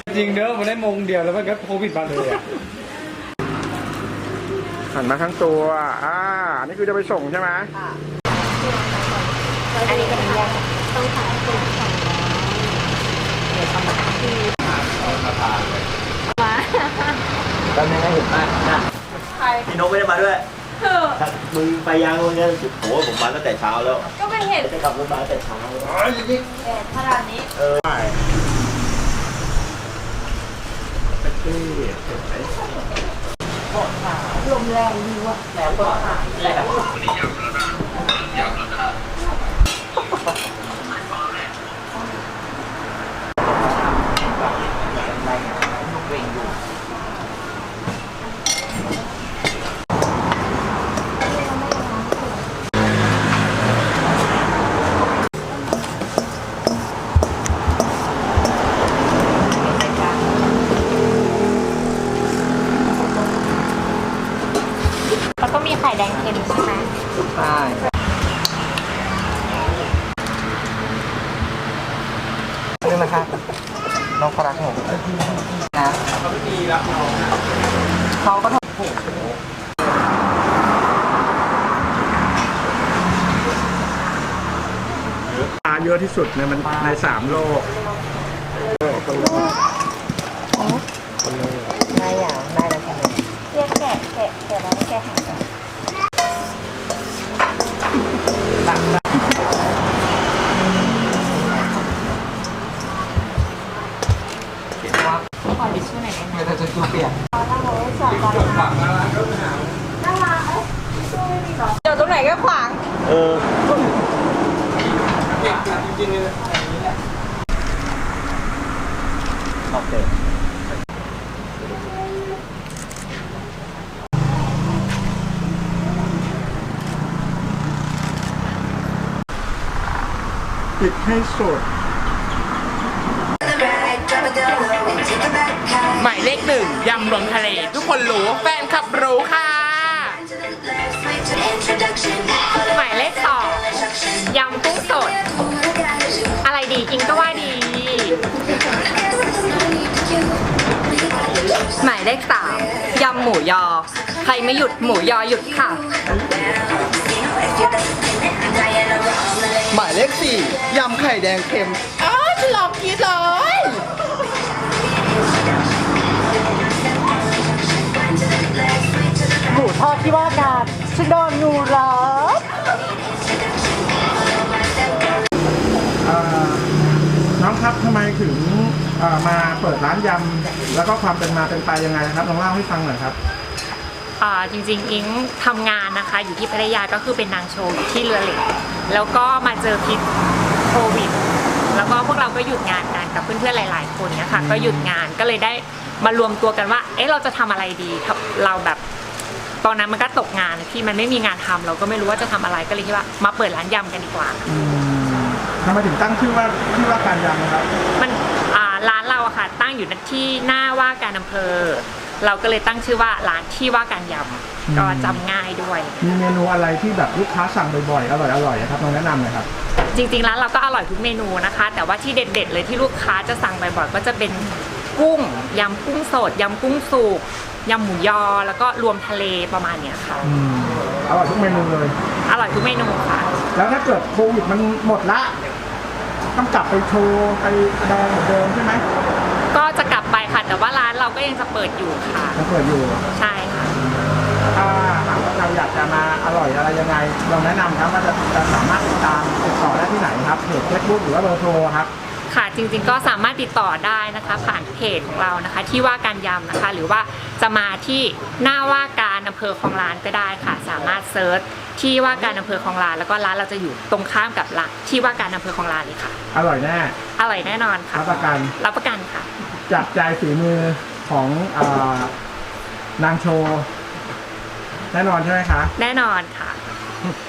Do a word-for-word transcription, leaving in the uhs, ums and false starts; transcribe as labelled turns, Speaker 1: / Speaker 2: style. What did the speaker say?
Speaker 1: จริงเนอะมันได้มงเดียวแล้วมันก็โควิดมาเลยอ่ะหันมาทั้งตัวอ่าอันนี้คือจะไปส่งใช่ไหม
Speaker 2: อันนี้เป็นยาต้องขายเป็นสองร้อยเดี๋ยวทำมาที่มา
Speaker 3: ตอนนี้เห็นมากนะพี่นกไม่ได้มาด้วยมึงไปยังมึงเนี่ยโอ้ผมมาตั้งแต่เช้าแล้ว
Speaker 2: ก็ไม่เห็น
Speaker 3: จะขับรถมาตั้งแต่เช้าอ๋อจริง
Speaker 2: ๆแดดขนาดนี้
Speaker 3: เออใช่ไปที่ไหน
Speaker 2: ลมแรงดีว่ะแล้วก็
Speaker 3: แรง
Speaker 2: แล้วก็มีไข่แดงเค็มใช่ไหม
Speaker 3: ใช่นี่นะครับน้องเขารักผมนะเขาไม่ดีรักน้องเขาก็ทำถูก
Speaker 1: ปลาเยอะที่สุดในมันในสามโลก
Speaker 2: ได้อย่างได้แล้วใช่ไหมเรียกแกะแกะแกะแล้วแกะหางกันขอดิชชู่หน่อยได้ไหม
Speaker 3: เดี๋ยวจะชูเปียก
Speaker 2: สองตอนน่ารักเดี๋ยวตรงไหนก็ขวาง
Speaker 3: เออจริงๆเลยโอเค
Speaker 1: ปิดให้สุด
Speaker 4: หมายเลขหนึ่งยำรวมทะเลทุกคนรู้แฟนคลับรู้ค่ะหมายเลขสองยำกุ้งสดอะไรดีกินก็ว่าดีหมายเลขสามยำหมูยอใครไม่หยุดหมูยอหยุดค่ะ
Speaker 3: หมายเลขสี่ยำไข่แดงเค็ม
Speaker 4: อ๋อฉันลองกินเลย
Speaker 3: หมูทอดที่ว่าการฉันโดนงูรัด
Speaker 1: น้องครับทำไมถึงมาเปิดร้านยำแล้วก็ความเป็นมาเป็นไปยังไงครับลองเล่าให้ฟังหน่อยครับ
Speaker 5: อ่าจริงๆอิงทำงานนะคะอยู่ที่พัทยาก็คือเป็นนางโชว์อยู่ที่เรือเหล็กแล้วก็มาเจอพิษโควิดแล้วก็พวกเราก็หยุดงานกันกับเพื่อนๆหลายๆคนเนี่ยค่ะก็หยุดงานก็เลยได้มารวมตัวกันว่าเอ๊ะเราจะทำอะไรดีเราแบบตอนนั้นมันก็ตกงานที่มันไม่มีงานทำเราก็ไม่รู้ว่าจะทำอะไรก็เลยคิดว่ามาเปิดร้านยำกันดีกว่า
Speaker 1: ทำไมถึงตั้งชื่อว่าที่ว่าการยำนะครับ
Speaker 5: มันอ่าร้านเราอะค่ะตั้งอยู่ที่หน้าว่าการอำเภอเราก็เลยตั้งชื่อว่าร้านที่ว่าการยำก็จำง่ายด้วย
Speaker 1: มีเมนูอะไรที่แบบลูกค้าสั่งบ่อยๆอร่อยๆครับลองแนะนำหน่อยครับ
Speaker 5: จริงๆร้านเราก็อร่อยทุกเมนูนะคะแต่ว่าที่เด็ดๆเลยที่ลูกค้าจะสั่งบ่อยๆก็จะเป็นกุ้งยำกุ้งสดยำกุ้งสุกยำหมูยอแล้วก็รวมทะเลประมาณเนี้ยค่ะ
Speaker 1: อร่อยทุกเมนูเลย
Speaker 5: อร่อยทุกเมนูค่ะ
Speaker 1: แล้วถ้าเกิดโควิดมันหมดละต้องกลับไปโชว์ไปแสดงเหมือนเดิมใช่ไหม
Speaker 5: ก็จะกลับไปค่ะแต่ว่าร้านเราก็ยังจะเปิดอยู่ค่ะ
Speaker 1: ยังเปิดอยู่
Speaker 5: ใช่ค่ะ
Speaker 1: ถ้าหากว่าเราอยากจะมาอร่อยอะไรยังไงลองแนะนำครับว่าจะจะสามารถติดตามติดต่อได้ที่ไหนครับเพจเฟซบุ๊กหรือว่าเบอร์โทรครับ
Speaker 5: ค่ะจริงๆก็สามารถติดต่อได้นะคะผ่านเพจของเรานะคะที่ว่าการยำนะคะหรือว่าจะมาที่หน้าว่าการอำเภอคลองลานก็ได้ค่ะสามารถเซิร์ชที่ว่าการอำเภอคลองลานแล้วก็ร้านเราจะอยู่ตรงข้ามกับร้านที่ว่าการอำเภอคลองลานเลยค่ะ
Speaker 1: อร่อยแน่
Speaker 5: อร่อยแน่นอนค่ะ
Speaker 1: รับประกัน
Speaker 5: รับประกันค่ะ
Speaker 1: จับใจฝีมือของนางโชว์แน่นอนใช่ไหมคะ
Speaker 5: แน่นอนค่ะ